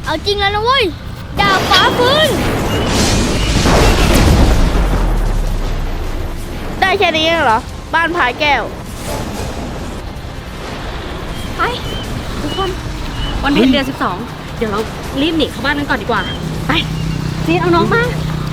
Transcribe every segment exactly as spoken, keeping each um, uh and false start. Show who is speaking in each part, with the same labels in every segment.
Speaker 1: เอาจริงแล้วนะเว้ยดาบฟ้าฟื้นได้แค่นี้เหรอบ้านพายแก้วไปทุกคนวันเพ็ญเดือนสิบสองเดี๋ยวเรารีบหนีเข้าบ้านกันก่อนดีกว่าไปซีนเอาน้องมา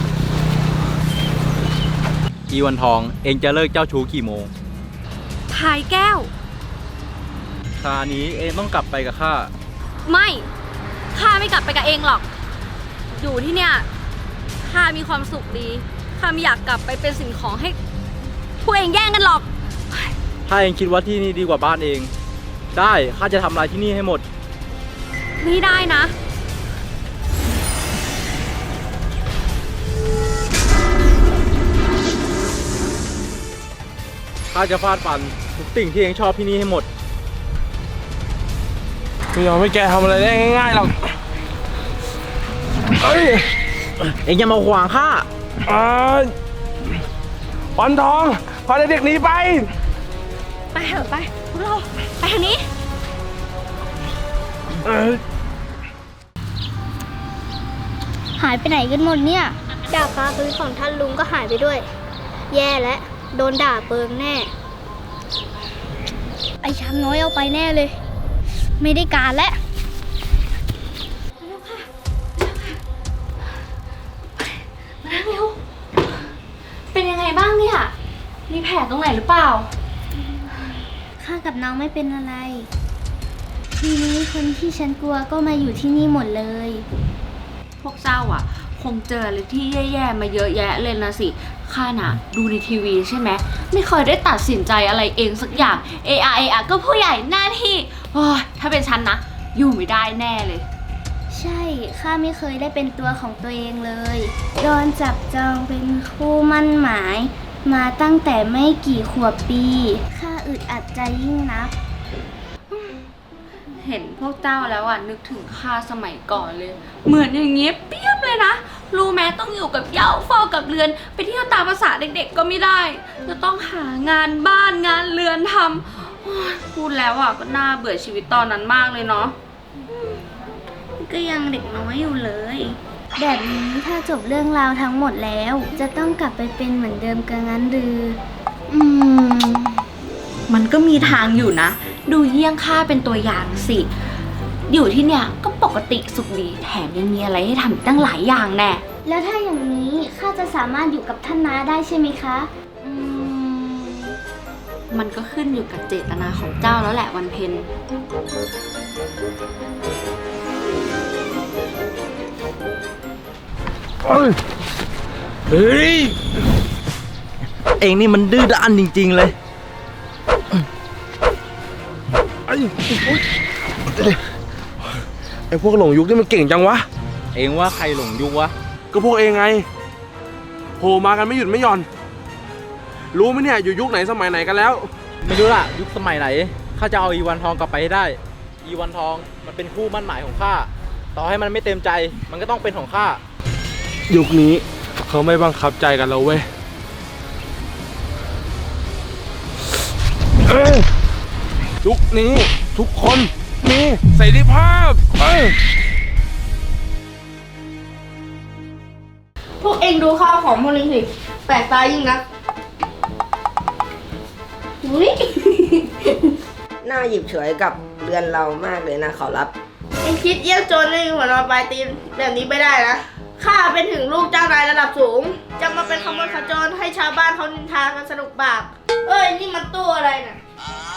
Speaker 2: อีวันทองเองจะเลิกเจ้าชู้กี่โมง
Speaker 1: พายแก้ว
Speaker 2: คราวนี้เองต้องกลับไปกับข้า
Speaker 1: ไม่ข้าไม่กลับไปกับเองหรอกอยู่ที่เนี่ยข้ามีความสุขดีข้าไม่อยากกลับไปเป็นสิ่งของให้พวกเองแย่งกันหรอก
Speaker 2: ถ้าเองคิดว่าที่นี่ดีกว่าบ้านเองได้ข้าจะทำลายที่นี่ให้หมด
Speaker 1: ไม่ได้นะ
Speaker 2: ข้าจะฟาดฟันทุกสิ่งที่เองชอบที่นี่ให้หมด
Speaker 3: ไม่ยอมให้แกทำอะไรได้ง่ายๆหรอกเอ้ย
Speaker 2: เองอย่ามาขวางข้า
Speaker 3: อ่าวันทองพาเด็กๆหนีไป
Speaker 1: ไปเถอะไปพวกเราไปทางนี้หายไปไหนกันหมดเนี่ยดาบฟ้าฟื้นของท่านลุงก็หายไปด้วยแย่แล้วโดนด่าเปิงแน่ไอ้ช้างน้อยเอาไปแน่เลยไม่ได้การแล้วมานั่งเร็วเป็นยังไงบ้างเนี่ยมีแผลตรงไหนหรือเปล่าข้ากับน้องไม่เป็นอะไรทีนี้คนที่ฉันกลัวก็มาอยู่ที่นี่หมดเลย
Speaker 4: พวกเจ้าอ่ะคงเจออะไรที่แย่ๆมาเยอะแยะเลยนะสิข้าน่ะดูในทีวีใช่ไหมไม่เคยได้ตัดสินใจอะไรเองสักอย่างเออเออก็ผู้ใหญ่หน้าที่โอ้ยถ้าเป็นฉันนะอยู่ไม่ได้แน่เลย
Speaker 1: ใช่ข้าไม่เคยได้เป็นตัวของตัวเองเลยโดนจับจองเป็นคู่มั่นหมายมาตั้งแต่ไม่กี่ขวบปีข้าอึดอัดใจยิ่งนัก
Speaker 4: เห็นพวกเจ้าแล้วอ่ะนึกถึงข้าสมัยก่อนเลยเหมือนอย่างเงี้ยเปียบเลยนะรู้แม้ต้องอยู่กับเหย้าเฝ้ากับเรือนไปเที่ยวตามภาษาเด็กๆก็ไม่ได้จะต้องหางานบ้านงานเรือนทำพูดแล้วอ่ะก็น่าเบื่อชีวิตตอนนั้นมากเลยเนาะ
Speaker 1: ก็ยังเด็กน้อยอยู่เลยแบบนี้ถ้าจบเรื่องราวทั้งหมดแล้วจะต้องกลับไปเป็นเหมือนเดิมกันงั้นหรือ
Speaker 4: อืมมันก็มีทางอยู่นะดูเยี่ยงข้าเป็นตัวอย่างสิอยู่ที่เนี่ยก็ปกติสุขดีแถมยังมีอะไรให้ทำอีกตั้งหลายอย่างแน่
Speaker 1: แล้วถ้าอย่างนี้ข้าจะสามารถอยู่กับท่านน้าได้ใช่ไหมคะ
Speaker 4: อืมมันก็ขึ้นอยู่กับเจตนาของเจ้าแล้วแหละวันเพ็ญ
Speaker 3: เฮ้ย
Speaker 2: เองนี่มันดื้อด้านจริงๆเลย
Speaker 3: ไอ้ไอ้พวกหลงยุคนี่มันเก่งจังวะ
Speaker 2: เองว่าใครหลงยุควะ
Speaker 3: ก็พวกเองไงโผล่มากันไม่หยุดไม่หย่อนรู้ไหมเนี่ยอยู่ยุคไหนสมัยไหนกันแล้ว
Speaker 2: ไม่รู้ล่ะยุคสมัยไหนข้าจะเอาอีวันทองกลับไปให้ได้อีวันทองมันเป็นคู่มั่นหมายของข้าต่อให้มันไม่เต็มใจมันก็ต้องเป็นของข้า
Speaker 3: ยุคนี้เขาไม่บังคับใจกันแล้วเว้ยยุคนี้ทุกคนมีเสรีภาพ
Speaker 1: พวกเองดูข้าวของพวกนี้สิแปลกตายิ่งนะอุ้ย
Speaker 5: น่าหยิบฉวยกับเรือนเรามากเลยนะขอรับ
Speaker 1: เองคิดเยี่ยมโจรเลยหัวนอนปลายตีนแบบนี้ไม่ได้นะข้าเป็นถึงลูกเจ้านายระดับสูงจะมาเป็นขโมยขจรให้ชาวบ้านเขานินทากันสนุกปากเอ้ยนี่มันตู้อะไรน่ะ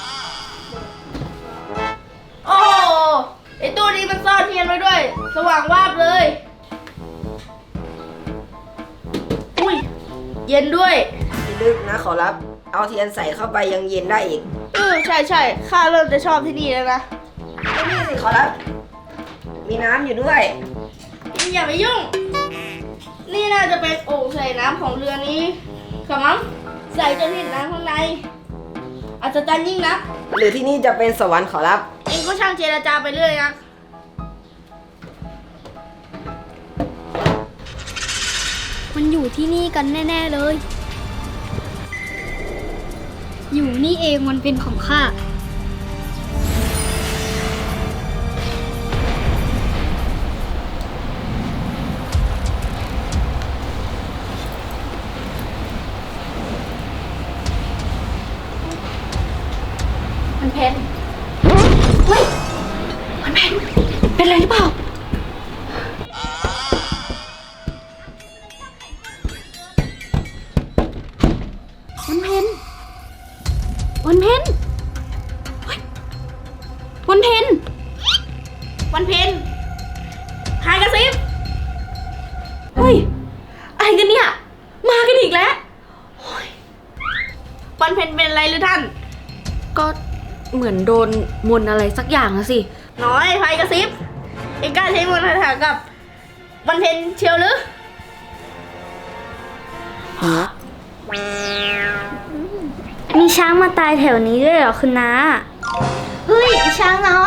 Speaker 1: โอ้ไอตู้นี้มันซ่อนเทียนไว้ด้วยสว่างวาบเลยอุ้ยเย็นด้วย
Speaker 5: ลึกนะขอรับเอาเทียนใส่เข้าไปยังเย็นได้อีก
Speaker 1: เออใช่ใช่ข้าเริ่มจะชอบที่นี่แล้วนะ
Speaker 5: นี่สิขอรับมีน้ำอยู่ด้วย
Speaker 1: อย่าไปยุ่งนี่น่าจะเป็นโอ่งใส่น้ำของเรือนี้ขมั้งใส่จนเห็นน้ำข้างในอาจจะจันยิ่งนะ
Speaker 5: หรือที่นี่จะเป็นสวรรค์ขอรับ
Speaker 1: เองก็ช่างเจรจาไปเรื่อยนะมันอยู่ที่นี่กันแน่ๆเลยอยู่นี่เองมันเป็นของข้า
Speaker 5: อ
Speaker 4: ก็เหมือนโดนมนต์อะไรสักอย่างนะสิ
Speaker 6: น้อยไฟกระซิบเองกล้าใช้มนต์คาถากับวันเพ็ญเชียวหรือ
Speaker 1: มีช้างมาตายแถวนี้ด้วยเหรอคุณน้า เฮ้ยช้างน้อย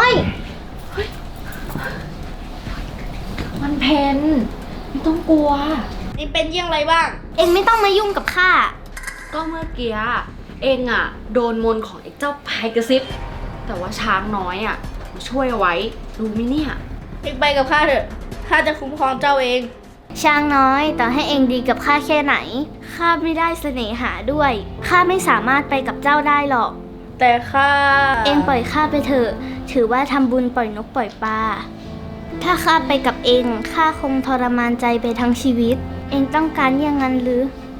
Speaker 4: มันเพนไม่ต้องกลัว
Speaker 6: เองเป็นเยี่ยงไรบ้าง
Speaker 1: เอ็งไม่ต้องมายุ่งกับข้า
Speaker 4: ก็เมื่อกี้เองอะโดนมนต์ของไอ้เจ้าพายกระซิบแต่ว่าช้างน้อยอะมาช่วยเอาไว้รู้ไหมเนี่ย
Speaker 6: เองไปกับข้าเถอะ ข้าจะคุ้มครองเจ้าเอง
Speaker 1: ช้างน้อยต่อให้เองดีกับข้าแค่ไหน ข้าไม่ได้เสน่หาด้วย ข้าไม่สามารถไปกับเจ้าได้หรอก
Speaker 6: แต่ข้า
Speaker 1: เองปล่อยข้าไปเถอะ ถือว่าทำบุญปล่อยนกปล่อยปลา ถ้าข้าไปกับเอง ข้าคงทรมานใจไปทั้งชีวิต เองต้องการอย่างนั้นหรือ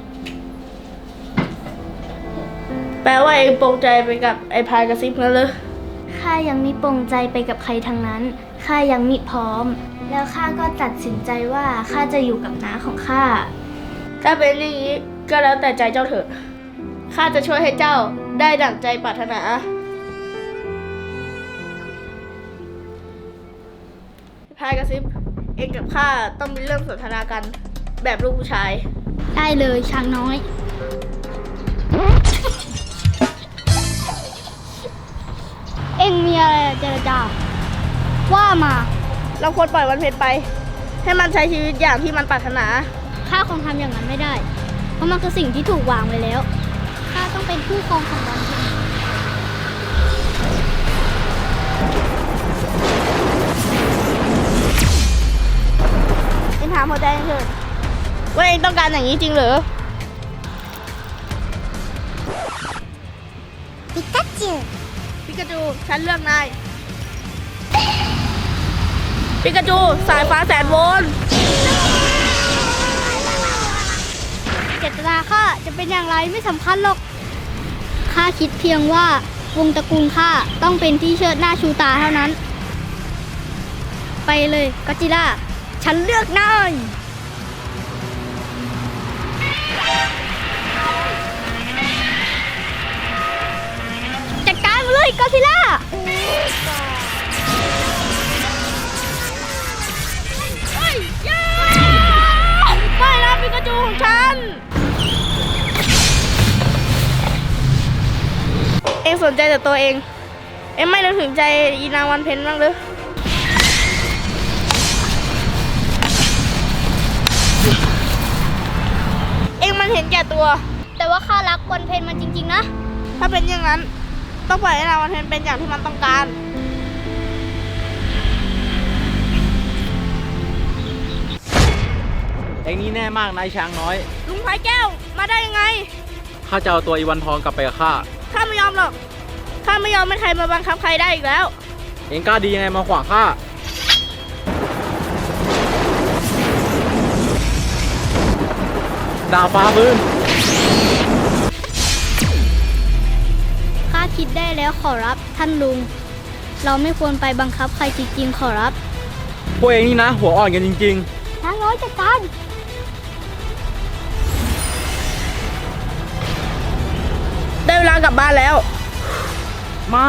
Speaker 6: แปลว่าเองปรงใจไปกับไอ้พายกระซิบนั่นเลย
Speaker 1: ข้ายังมิปรงใจไปกับใครทั้งนั้น ข้ายังมิพร้อม แล้วข้าก็ตัดสินใจว่าข้าจะอยู่กับน้าของข้า
Speaker 6: ถ้าเป็นอย่างนี้ก็แล้วแต่ใจเจ้าเถอะ ข้าจะช่วยให้เจ้าได้ดั่งใจปรารถนา พายกระซิบ เองกับข้าต้องมีเรื่องสนทนากันแบบลูกผู้ชาย
Speaker 1: ได้เลยช้างน้อย เอ็งมีอะไรเจรจาว่ามา
Speaker 6: เราควรปล่อยวันเพ็ญไป ให้มันใช้ชีวิตอย่างที่มันปรารถนา
Speaker 1: ข้าคงทำอย่างนั้นไม่ได้ เพราะมันคือสิ่งที่ถูกวางไว้แล้ว ข้าต้องเป็นผู้ครองของวันเพ็ญ
Speaker 6: เองถามหัวใจเองเถอะว่าเองต้องการอย่างนี้จริงเหรอ
Speaker 1: ปิกาจู
Speaker 6: ปิกาจู ฉันเลือกนาย ปิกาจู สายฟ้าแสนโวลต์
Speaker 1: เจตนาข้าจะเป็นอย่างไรไม่สำคัญหรอก ข้าคิดเพียงว่าวงตระกูลข้าต้องเป็นที่เชิดหน้าชูตาเท่านั้น ไปเลยก็อดจิลล่า ฉันเลือกนายจัดการมาเลยก็อดจิลล่า
Speaker 6: ไม่นะปิกาจูของฉัน เองสนใจแต่ตัวเอง เองไม่นึกถึงใจอีนางวันเพ็ญบ้างหรือเองมันเห็นแก่ตัว
Speaker 1: แต่ว่าข้ารักวันเพ็ญมันจริงๆนะ
Speaker 6: ถ้าเป็นอย่างนั้น ต้องปล่อยให้นางวันเพ็ญเป็นอย่างที่มันต้องการ
Speaker 2: เองนี่แน่มากนายช้างน้อย
Speaker 6: ลุงพายแก้ว มาได้ยังไง
Speaker 2: ข้าจะเอาตัวอีวันทองกลับไปกับข้า
Speaker 6: ข้าไม่ยอมหรอก ข้าไม่ยอมให้ใครมาบังคับใครได้อีกแล้ว
Speaker 2: เองกล้าดียังไงมาขวางข้า ดาวฟ้าพื้น
Speaker 1: ข้าคิดได้แล้วขอรับท่านลุง เราไม่ควรไปบังคับใครจริงๆขอรับ
Speaker 2: พวกเองนี่นะ หัวอ่อนกันจริง
Speaker 1: ช้างน้อยจัดการ
Speaker 6: ได้เวลากลับบ้านแล้ว
Speaker 2: ๆ ไม่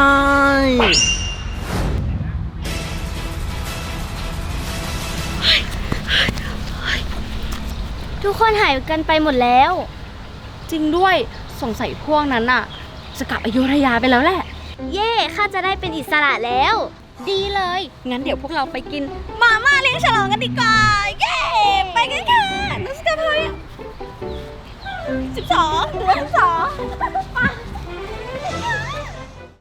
Speaker 1: ทุกคนหายกันไปหมดแล้ว
Speaker 4: จริงด้วยสงสัยพวกนั้นอะจะกลับอยุธยาไปแล้วแหละ
Speaker 1: เย่ข้าจะได้เป็นอิสระแล้ว
Speaker 4: ดีเลย งั้นเดี๋ยวพวกเราไปกินมาม่าเลี้ยงฉลองกันดีกว่า เย้ ไปกันค่ะนักสกาพอยสิบสองเหลือสิบสอง